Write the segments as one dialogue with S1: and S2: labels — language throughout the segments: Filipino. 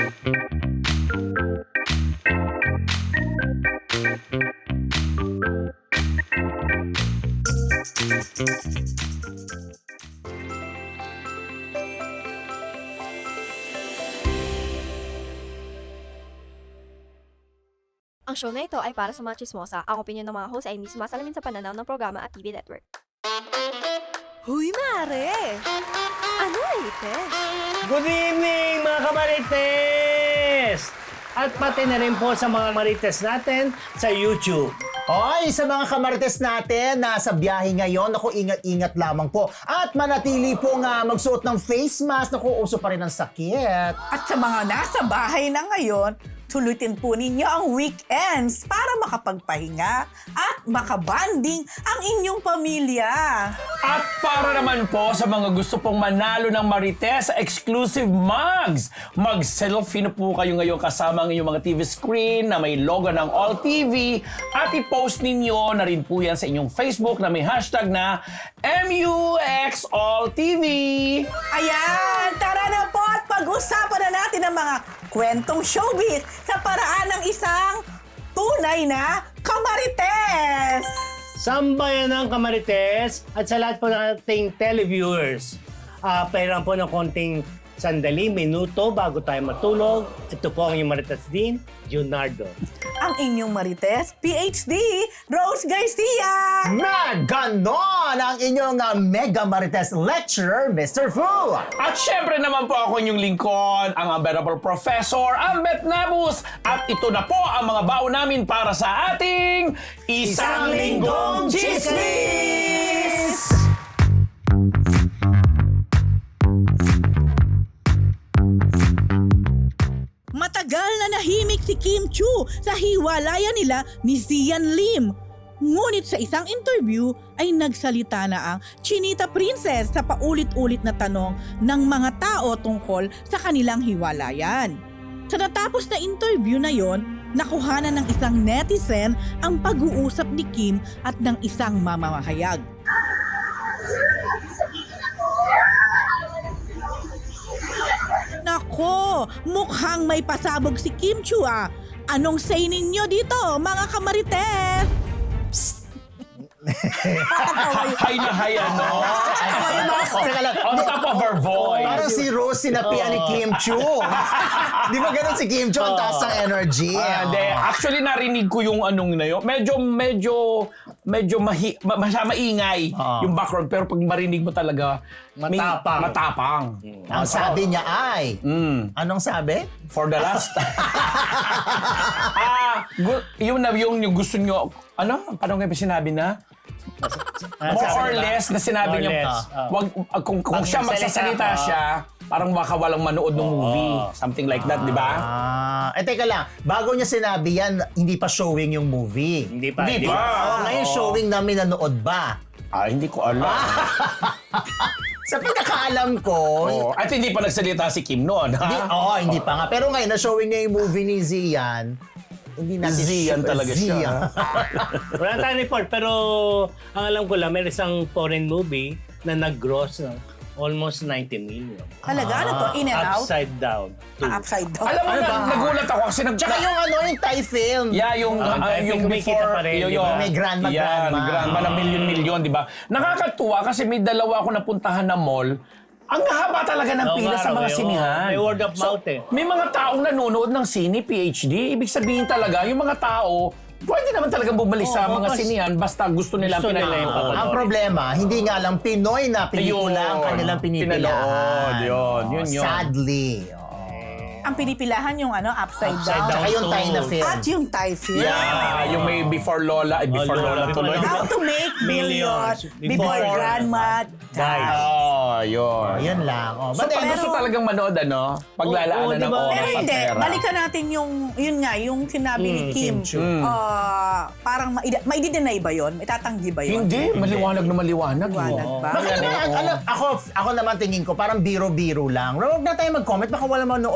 S1: Ang show na ito ay para sa mga chismosa. Ang opinion ng mga host ay hindi sumasalamin sa pananaw ng programa at TV network. Huy, mare! Ano latest?
S2: Good evening, mga kamarites! At pati na rin po sa mga marites natin sa YouTube.
S3: Oy, sa mga kamarites natin na sa biyahe ngayon, naku, ingat-ingat lamang po. At manatili po nga magsuot ng face mask, naku, uso pa rin ang sakit.
S4: At sa mga nasa bahay na ngayon, tulutin po ninyo ang weekends para makapagpahinga at makabanding ang inyong pamilya.
S5: At para naman po sa mga gusto pong manalo ng Marites exclusive mugs, mag-selfie na po kayo ngayon kasama ang inyong mga TV screen na may logo ng All TV at i-post ninyo na rin po yan sa inyong Facebook na may hashtag na MUXAllTV.
S4: Ayan, tara na po at pag-usapan na natin ang mga kwentong showbiz sa paraan ng isang tunay na kamarites.
S2: Sambayan ng kamarites at sa lahat po ng ating televiewers. Pairan po ng konting sandali, minuto bago tayo matulog. Ito po ang inyong marites din, Junardo.
S4: Ang inyong marites, PhD, Rose Garcia.
S3: Na ganon ang inyong Mega Marites Lecturer, Mr. Fu.
S5: At syempre naman po ako inyong lingkod, ang unbearable Professor Ambet Nabus. At ito na po ang mga baon namin para sa ating Isang Linggong Chismis!
S4: Matagal na nahimik si Kim Chu sa hiwalayan nila ni Zian Lim. Ngunit sa isang interview ay nagsalita na ang Chinita Princess sa paulit-ulit na tanong ng mga tao tungkol sa kanilang hiwalayan. Sa natapos na interview na yon, nakuhanan ng isang netizen ang pag-uusap ni Kim at ng isang mamamahayag. Nako, mukhang may pasabog si Kim Chu ah. Anong say ninyo dito, mga kamarites?
S5: Hay na hay, ano?
S3: Teka lang,
S5: On top of her voice.
S3: parang si Rose sinapian ni Kim Chu. Di ba ganun si Kim Chu? Ang taas ng energy.
S5: Hindi. Actually, narinig ko yung anong na yun. Medyo maingay yung background. Pero pag marinig mo talaga,
S2: Matapang.
S5: matapang.
S3: Ang sabi niya ay, anong sabi?
S5: For the last yung gusto nyo, ano? Paano nga ba sinabi na? More or less na sinabi
S2: More
S5: niya,
S2: less,
S5: wag, kung siya magsasalita siya, parang baka walang manood ng movie. Something like that, di ba?
S3: Teka lang, bago niya sinabi yan, hindi pa showing yung movie.
S2: Hindi pa.
S5: Hindi pa.
S3: Ngayon showing namin nanood ba?
S5: Hindi ko alam.
S3: Sa pagkakaalam ko,
S5: At hindi pa nagsalita si Kim noon, ha?
S3: hindi pa nga. Pero ngayon, na-showing niya yung movie ni Zian. Hindi natin
S5: Zian talaga siya.
S2: Wala tayong report, pero ang alam ko lang, may isang foreign movie na nag-gross ng almost 90 million.
S4: Talaga? Ano to? In and out?
S2: Upside down.
S4: Upside down.
S5: Alam mo na, nagulat ako kasi
S3: Tsaka yung yung Thai film.
S5: Yeah, yung
S2: kumikita
S5: before,
S2: pa rin,
S5: yung,
S2: di ba?
S3: May grandma.
S5: grandma na milyon-milyon, di ba? Nakakatuwa kasi may dalawa ako napuntahan na mall. Ang haba talaga ng pila sa mga sinihan.
S2: May word of mouth eh.
S5: May mga taong nanonood ng sine, PhD. Ibig sabihin talaga, yung mga tao, pwede naman talagang bumalik sa mga sinihan basta gusto nila
S2: Gusto nila yung
S5: pinanood.
S2: papanood.
S3: Ang problema, hindi nga lang Pinoy na pelikula ang kanilang pinipilahan.
S5: Pinanood, yun.
S3: Sadly.
S4: Ang pinipilahan yung
S2: Upside
S4: upside,
S2: down.
S4: down.
S3: Tsaka yung Thai na film.
S4: At yung Thai film.
S5: Yeah, yung may before Lola, before Lola tuloy.
S4: How to make millions before
S2: Before
S4: grandma dies.
S5: Yun.
S3: Yun lang.
S5: So, pag gusto talagang manood, ano? Paglalaanan
S2: Oo,
S5: ng
S2: diba?
S5: oras
S4: Pero
S5: at
S4: hindi,
S5: pera.
S4: balikan natin yung sinabi ni Kim.
S3: Kim Chu.
S4: Parang maidi-deny ba yun? Itatanggi ba yun?
S5: Hindi, maliwanag na maliwanag.
S4: Maliwanag ba?
S3: Bakit ako naman tingin ko, parang biro-biro lang. Huwag na tayo mag-comment, baka wala manood ng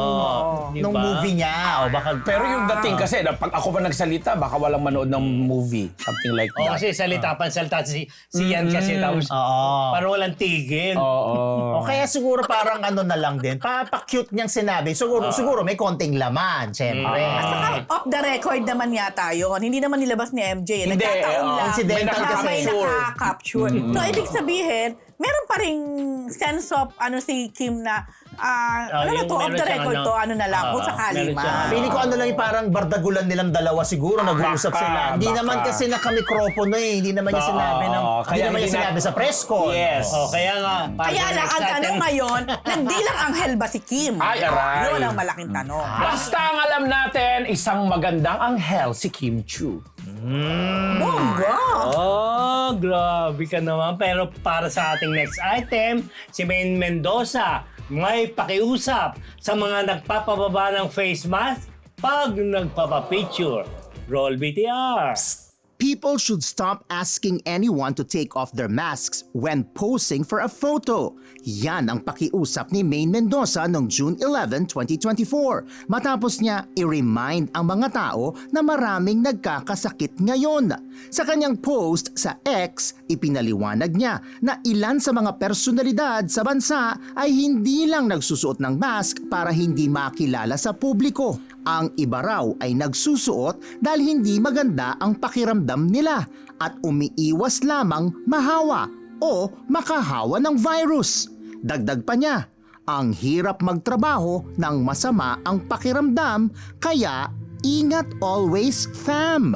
S2: Di
S3: nung
S2: ba?
S3: movie niya. O baka,
S5: Pero yung dating kasi, pag ako pa nagsalita, baka walang manood ng movie. Something like
S2: O
S5: that.
S2: kasi salita si Yan kasi tapos
S3: Oo.
S2: parang walang tigil.
S5: Oo.
S3: O kaya siguro parang ano na lang din, pa-cute niyang sinabi. Siguro may konting laman, syempre.
S4: Off the record naman yata yun. Hindi naman nilabas ni MJ.
S5: Hindi,
S4: Nagkataon lang.
S3: incidental
S4: na
S3: kasi.
S4: may nakaka-capture. So, ibig sabihin, meron pa ring sense of si Kim na
S2: yung
S4: to, off
S2: meron
S4: the
S2: siyang
S4: record to, ano na lang, kung sakali
S2: meron siyang
S4: man.
S3: Feeling ko ano lang yung parang bardagulan nilang dalawa siguro, nag-uusap
S5: Baka,
S3: sila. Hindi
S5: baka.
S3: naman kasi nakamikropono eh. Hindi naman niya
S5: Oo,
S3: sinabi ng,
S5: kaya
S3: hindi naman niya
S5: hindi na-
S3: sinabi sa press con.
S5: Yes.
S2: O kaya nga.
S4: Kaya lang, ang tanong ngayon, nagdilang anghel ba si Kim?
S5: Ay, aray.
S4: Yun ang malaking tanong.
S5: Basta ang alam natin, isang magandang anghel si Kim Chu.
S4: Bongga!
S2: Oh, grabe ka naman. Pero para sa ating next item, si Maine Mendoza may pakiusap sa mga nagpapababa ng face mask pag nagpapapicture. Roll BTR.
S6: People should stop asking anyone to take off their masks when posing for a photo. Yan ang pakiusap ni Maine Mendoza noong June 11, 2024. Matapos niya i-remind ang mga tao na maraming nagkakasakit ngayon. Sa kanyang post sa X, ipinaliwanag niya na ilan sa mga personalidad sa bansa ay hindi lang nagsusuot ng mask para hindi makilala sa publiko. Ang iba raw ay nagsusuot dahil hindi maganda ang pakiramdam nila at umiiwas lamang mahawa o makahawa ng virus. Dagdag pa niya, ang hirap magtrabaho nang masama ang pakiramdam kaya ingat always fam.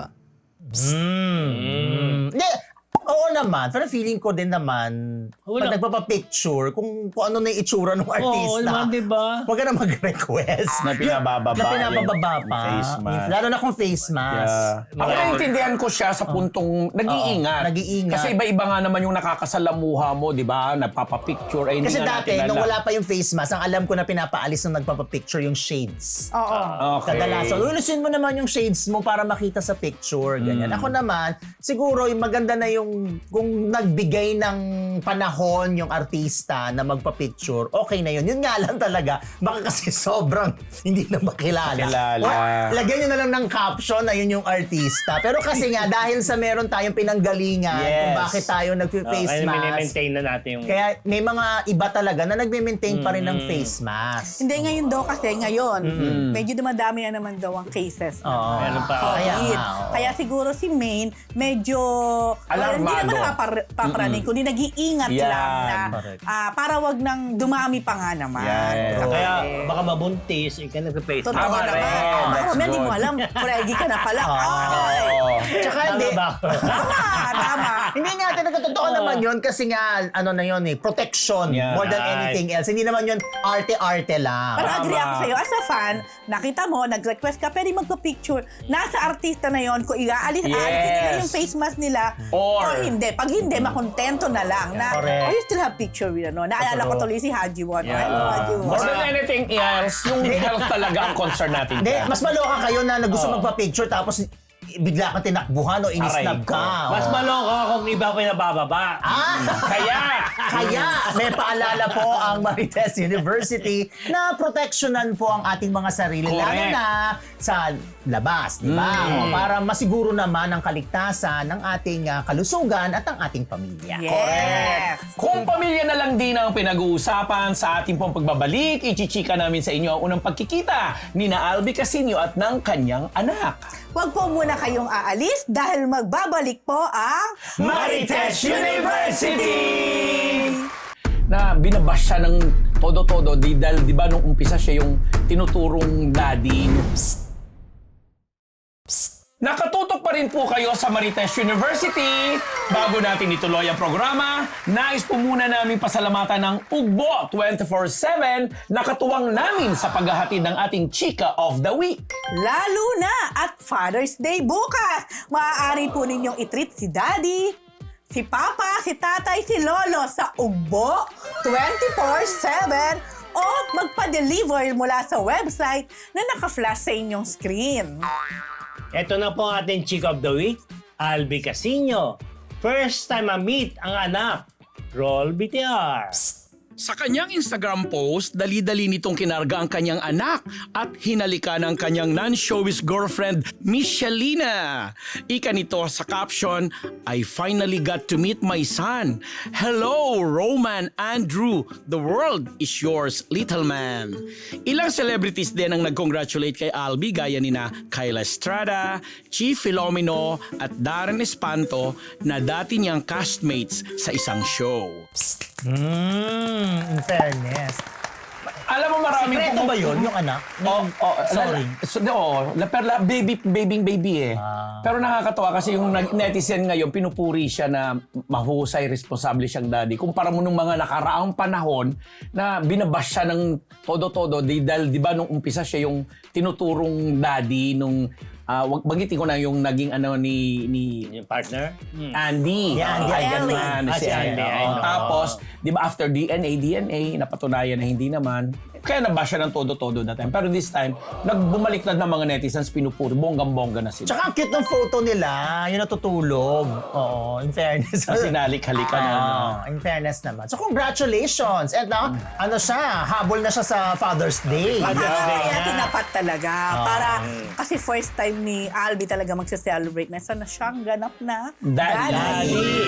S3: Hindi, oo naman. Pero feeling ko din naman,
S2: Wala.
S3: pag nagpapapicture, kung ano na yung itsura ng artista.
S2: Oo naman, di ba?
S3: Huwag ka na mag-request.
S5: Na pinabababa
S3: Na pinabababa
S5: yung
S3: pa.
S5: face mask.
S3: Lalo na kung face mask.
S5: Ako naiintindihan ko siya sa puntong nag-iingat.
S3: nag-iingat.
S5: Kasi iba-iba nga naman yung nakakasalamuha mo, di ba? Nagpapapicture. Ay, hindi
S3: Kasi
S5: nga
S3: dati,
S5: natin
S3: nung
S5: alam.
S3: wala pa yung face mask, ang alam ko na pinapaalis nung nagpapapicture yung shades.
S4: Oo.
S5: Okay.
S3: Kadalasan, ulisin mo naman yung shades mo para makita sa picture, ganyan. Ako naman, siguro yung maganda na yung kung nagbigay ng panahon yung artista na magpa-picture, okay na yun. Yun nga lang talaga, baka kasi sobrang hindi na makilala.
S5: Makilala.
S3: Or, lagyan nyo na lang ng caption na yun yung artista. Pero kasi nga, dahil sa meron tayong pinanggalingan kung
S5: Yes.
S3: bakit tayo nag-face
S2: Kaya
S3: mask,
S2: mini-maintain na natin yung...
S3: kaya may mga iba talaga na nagme-maintain pa rin ng face mask.
S4: Hindi ngayon daw kasi ngayon, medyo dumadami na naman daw ang cases.
S3: Oo.
S2: Meron pa.
S3: Kaya
S4: COVID.
S3: nga, oo.
S4: Kaya siguro si Maine medyo
S5: Alarmado.
S4: hindi naman nakapaparaning, kundi nag-iingat
S5: Yan.
S4: lang na
S3: Correct.
S4: para wag nang dumami pa nga naman.
S5: Yes.
S4: Correct.
S2: Kaya baka mabuntis, ikaw nagpa-face
S4: Totoo
S5: Tama
S4: naman.
S5: rin.
S4: Baka
S5: That's
S4: mamaya hindi mo
S5: good.
S4: alam, fregi ka na pala. Ay!
S5: Oo.
S3: Tsaka
S2: Tama
S3: hindi,
S2: ba?
S4: Tama.
S3: hindi nga totoo naman yun kasi nga, ano na yun eh, protection
S5: Yeah.
S3: more than anything else. Hindi naman yun arte-arte lang.
S4: Pero agree
S5: Tama.
S4: ako sa'yo. As a fan, nakita mo, nag-request ka, pwede magpa-picture. Nasa artista na yon kung alisin nila yung face mask nila
S5: Or-
S4: hindi. Pag hindi, makontento na lang. Na,
S3: Correct.
S4: you still have picture with ano. Naalala ko tuloy si Haji Won.
S5: Yeah.
S4: Hello, Haji Won.
S5: More than anything else, yung health talaga ang concern natin.
S3: Hindi,
S5: dyan.
S3: mas maloka kayo na gusto magpa-picture tapos bigla kang tinakbuhan o inisnab
S5: Aray ko.
S3: ka.
S2: Mas
S3: Oo.
S2: maloka kung iba pa yung nabababa.
S3: Kaya may paalala po ang Marites University na proteksyonan po ang ating mga sarili, lalo
S5: Correct.
S3: na sa labas, di ba? O, para masiguro naman ang kaligtasan ng ating kalusugan at ang ating pamilya.
S4: Yes.
S5: Kung pamilya na lang din ang pinag-uusapan sa ating pong pagbabalik, ichichika namin sa inyo ang unang pagkikita ni na Albi Casino at ng kanyang anak.
S4: Huwag po muna kayong aalis dahil magbabalik po ang
S5: Marites University! Na binabash siya ng todo-todo dahil di ba nung umpisa siya yung tinuturong daddy. Nakatutok pa rin po kayo sa Marites University. Bago natin ituloy ang programa, nais po muna namin pasalamatan ng Ugbo 24/7 na katuwang namin sa paghahatid ng ating Chika of the Week.
S4: lalo na at Father's Day bukas. Maaari po ninyong i-treat si Daddy, si Papa, si Tatay, si Lolo sa Ugbo 24/7 o magpa-deliver mula sa website na naka-flash sa inyong screen.
S2: Ito na po ang ating Chick of the Week, Albi Casino. First time ma-meet ang anak. Roll BTR.
S5: Sa kanyang Instagram post, dali-dali nitong kinarga ang kanyang anak at hinalika ng kanyang non-showbiz girlfriend, Michelina. Ika nito sa caption, I finally got to meet my son. Hello, Roman Andrew. The world is yours, little man. Ilang celebrities din ang nag-congratulate kay Albi gaya nina Kyla Estrada, Chi Filomeno at Darren Espanto na dati niyang castmates sa isang show.
S3: In fairness.
S5: Alam mo maraming
S3: Sikreto ba yun, yung anak? Sorry.
S5: Baby eh. Pero nakakatawa kasi yung netizen ngayon, pinupuri siya na mahusay, responsable siyang daddy. Kumpara mo nung mga nakaraang panahon na binabash siya ng todo-todo dahil di ba nung umpisa siya yung tinuturong daddy nung bagitin ko na yung naging ni
S2: Yung partner?
S5: Andy.
S3: Yeah, Andy.
S5: Ay,
S3: Ellie.
S5: ganun.
S2: Si Andy, I know.
S5: Tapos, di ba after DNA, napatunayan na hindi naman. Kaya nabash siya ng todo-todo that time. Pero this time, nagbumaliktad ng mga netizens, pinupuri. Bonggang-bongga na sila.
S3: Tsaka ang cute ng photo nila, yung natutulog. Oo, in fairness.
S5: Sa sinalik-halikan na.
S3: In fairness naman. So congratulations. And now, ano siya, habol na siya sa Father's Day.
S7: Kaya tinapat talaga. Para, kasi first time ni Albi talaga magsa-celebrate na sana siyang ganap na
S5: Daddy.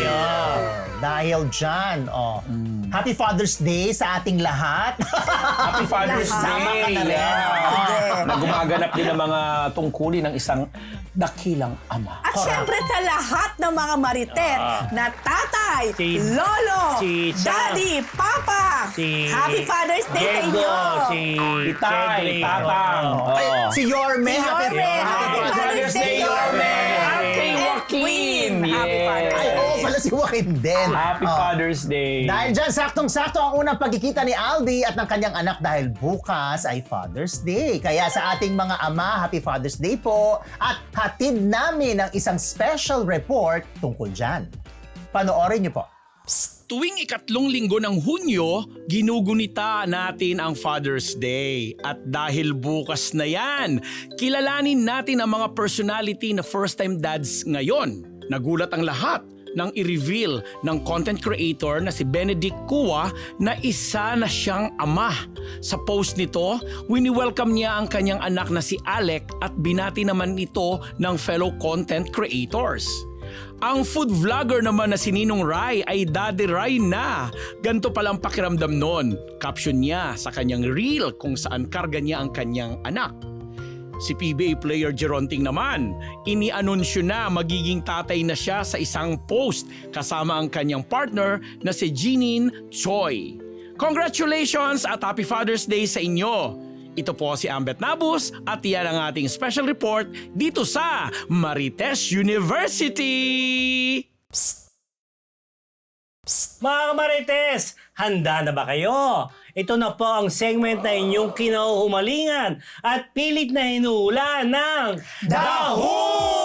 S3: Dahil dyan, Happy Father's Day sa ating lahat.
S5: Happy Father's
S3: Sama ka
S5: Day.
S3: na rin.
S5: Yeah. Na gumaganap din ng mga tungkulin ng isang dakilang ama.
S7: At syempre sa lahat ng mga marites na tatay,
S2: Si-
S7: lolo,
S2: si Cha-
S7: daddy, papa, Happy Father's Day sa
S2: Diego,
S7: inyo!
S2: si
S5: Itay,
S2: Cedric.
S5: Tatang.
S3: Ay, si Yorme.
S7: Si Yorme.
S3: Happy
S5: Father's Day, Yorme. Happy Joaquin.
S7: Happy Father's
S3: Ay,
S7: Day.
S3: oo pala si Joaquin din.
S5: Happy Father's Day.
S3: Dahil dyan, saktong-sakto ang unang pagkikita ni Albi at ng kanyang anak dahil bukas ay Father's Day. Kaya sa ating mga ama, Happy Father's Day po at hatid namin ang isang special report tungkol dyan. Panoorin niyo po.
S5: Tuwing ikatlong linggo ng Hunyo, ginugunita natin ang Father's Day. At dahil bukas na yan, kilalanin natin ang mga personality na first-time dads ngayon. Nagulat ang lahat nang i-reveal ng content creator na si Benedict Cua na isa na siyang ama. Sa post nito, wini-welcome niya ang kanyang anak na si Alec at binati naman ito ng fellow content creators. Ang food vlogger naman na si Ninong Rai ay Daddy Rai na. Ganto palang pakiramdam nun. Caption niya sa kanyang reel kung saan karga niya ang kanyang anak. Si PBA player Geronting naman, ini-anunsyo na magiging tatay na siya sa isang post kasama ang kanyang partner na si Jeanine Choi. Congratulations at Happy Father's Day sa inyo! Ito po si Ambet Nabus at yan ang ating special report dito sa Marites University!
S2: Mga Marites, handa na ba kayo? Ito na po ang segment na inyong kinahumalingan at pilit na hinuhula ng
S3: Daho!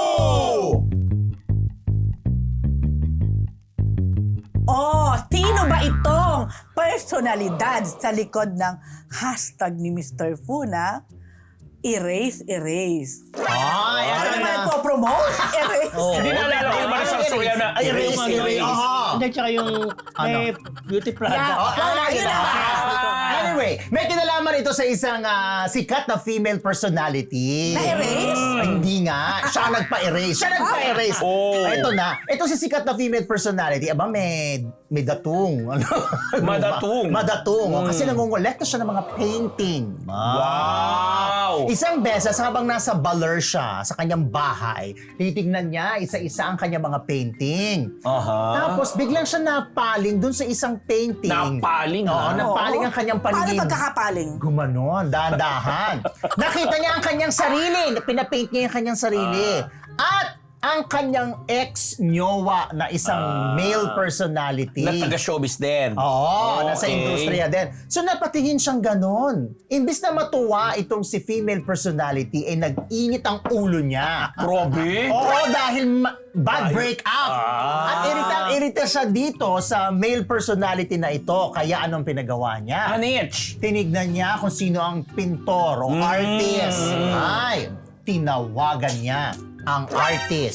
S7: Oh, sino ba itong personalidad sa likod ng hashtag ni Mr. Fu na Erase, Erase?
S3: Ay,
S7: Ano
S3: ano
S7: ba
S3: na?
S7: nagpo-promote? Erase?
S5: Hindi naalala ko yung Marisol Soriano.
S3: Ay, erase, erase.
S2: Hindi, tsaka yung may beauty product.
S7: Yun na ba?
S3: Anyway, may kinalaman ito sa isang sikat na female personality.
S7: Na-erase?
S3: Ay, hindi nga. Siya ang nagpa-erase. Siya nagpa-erase.
S5: Oh.
S3: Ito na. Ito si sikat na female personality. Aba, may datung. Ano?
S5: Madatung.
S3: Madatung. Kasi nangongolekta siya ng mga painting.
S5: Wow!
S3: Isang beses habang nasa Baler siya sa kanyang bahay, titignan niya isa-isa ang kanyang mga painting. Tapos biglang siya napaling dun sa isang painting.
S5: Napaling,
S3: Oo,
S5: ha?
S3: napaling ang kanyang
S7: Paano
S3: paningin.
S7: pagkakapaling?
S3: Gumanon, dahan-dahan. Nakita niya ang kanyang sarili. Pinapaint niya yung kanyang sarili. At ang kanyang ex-nyowa na isang male personality.
S5: Na taga-showbiz din.
S3: Oo, nasa
S5: okay.
S3: industriya din. So napatingin siyang ganon. Imbis na matuwa itong si female personality, ay nag-init ang ulo niya.
S5: Grabe!
S3: Oo, dahil bad breakup. At irita siya dito sa male personality na ito. Kaya anong pinagawa niya?
S5: Anich!
S3: Tinignan niya kung sino ang pintor o artist. Ay, tinawagan niya ang artist.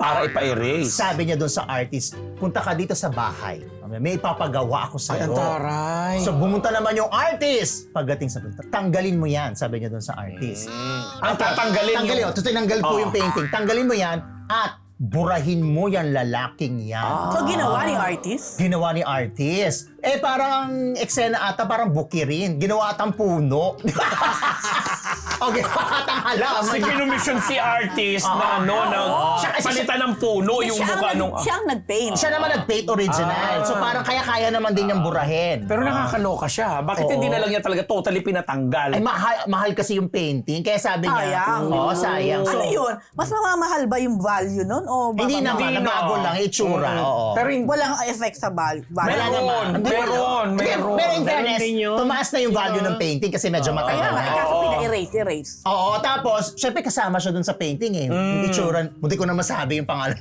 S5: Para ipa-erase.
S3: Sabi niya doon sa artist, punta ka dito sa bahay. May ipapagawa ako
S5: Ay,
S3: sa'yo.
S5: ang taray.
S3: So bumunta naman yung artist. Pagdating sa punta, tanggalin mo yan, sabi niya doon sa artist.
S5: Ang tatanggalin
S3: Tanggalin,
S5: yung...
S3: so tinanggal po yung painting. Tanggalin mo yan at burahin mo yan lalaking yan.
S7: So, ginawa ni artist?
S3: Ginawa ni artist. Parang eksena ata, parang buki rin. Ginawa atang puno. O ginawa atang halaman.
S5: Kasi kinumission si artist na palitan ng puno yung mukha nung...
S7: Siya ang nag-paint.
S3: Siya naman nag-paint original. So parang kaya naman din niyang burahin.
S5: Pero nakakaloka siya. Bakit hindi na lang niya talaga totally pinatanggal?
S3: Ay, mahal kasi yung painting. Kaya sabi niya,
S7: Sayang.
S3: sayang.
S7: Ano yun? Mas mamamahal ba yung value nun? O
S3: Hindi naman, nabago lang, itsura. Oo.
S5: Pero hindi...
S7: Walang effect sa value.
S5: Meron.
S3: Pero in fairness,
S2: Ganun din yun.
S3: tumaas na yung value ng painting kasi medyo
S7: Kaya
S3: matagal
S7: nga,
S3: na.
S7: kaso pina-erase.
S3: Oo, tapos, syempre kasama siya dun sa painting eh. Yung itsura, hindi ko na masabi yung pangalan.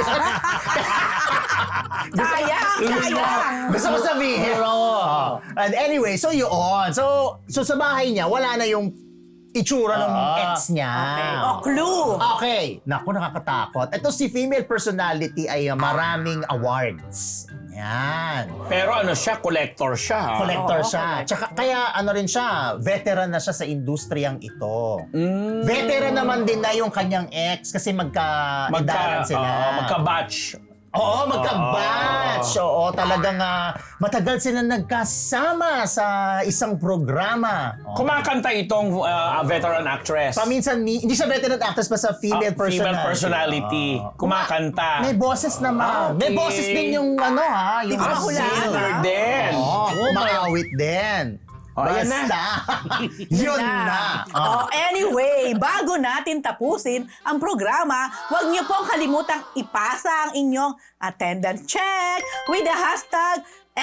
S7: Sayang!
S3: Gusto ko sabihin. And anyway, so yun. So sa bahay niya, wala na yung itsura ng ex niya.
S7: O, clue!
S3: Okay. Naku, nakakatakot. Ito si female personality ay maraming awards. Yan.
S5: Pero ano siya, collector siya.
S3: Collector siya. Tsaka kaya ano rin siya, veteran na siya sa industriyang ito. Veteran naman din na yung kanyang ex kasi magka-edaran sila.
S5: Magka-batch.
S3: Oo, magka-batch. Oo, talagang matagal sila nagkasama sa isang programa.
S5: Kumakanta itong veteran actress.
S3: Paminsan, hindi siya veteran actress pa sa female personality.
S5: Female personality. Kumakanta.
S3: May boses naman.
S5: Okay.
S3: May boses din yung yung
S7: ko mahulaan.
S5: Singer din.
S3: Makawit din.
S5: Ayan na.
S3: Basta. Yun na.
S7: Anyway, bago natin tapusin ang programa, huwag niyo pong kalimutang ipasa ang inyong attendance check with the hashtag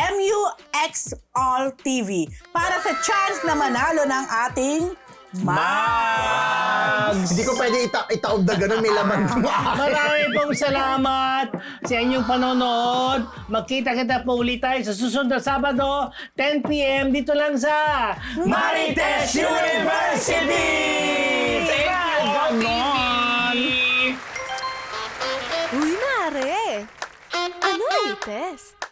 S7: MUXAllTV para sa chance na manalo ng ating
S5: Mags!
S3: Hindi ko pwede itaob na ganun, may laman mo.
S2: Marami pong salamat sa inyong panonood. Magkita-kita po ulit tayo sa susunod na Sabado, 10 p.m. dito lang sa
S5: Marites University! Thank you, All TV!
S1: Uy, Mare! Ano latest?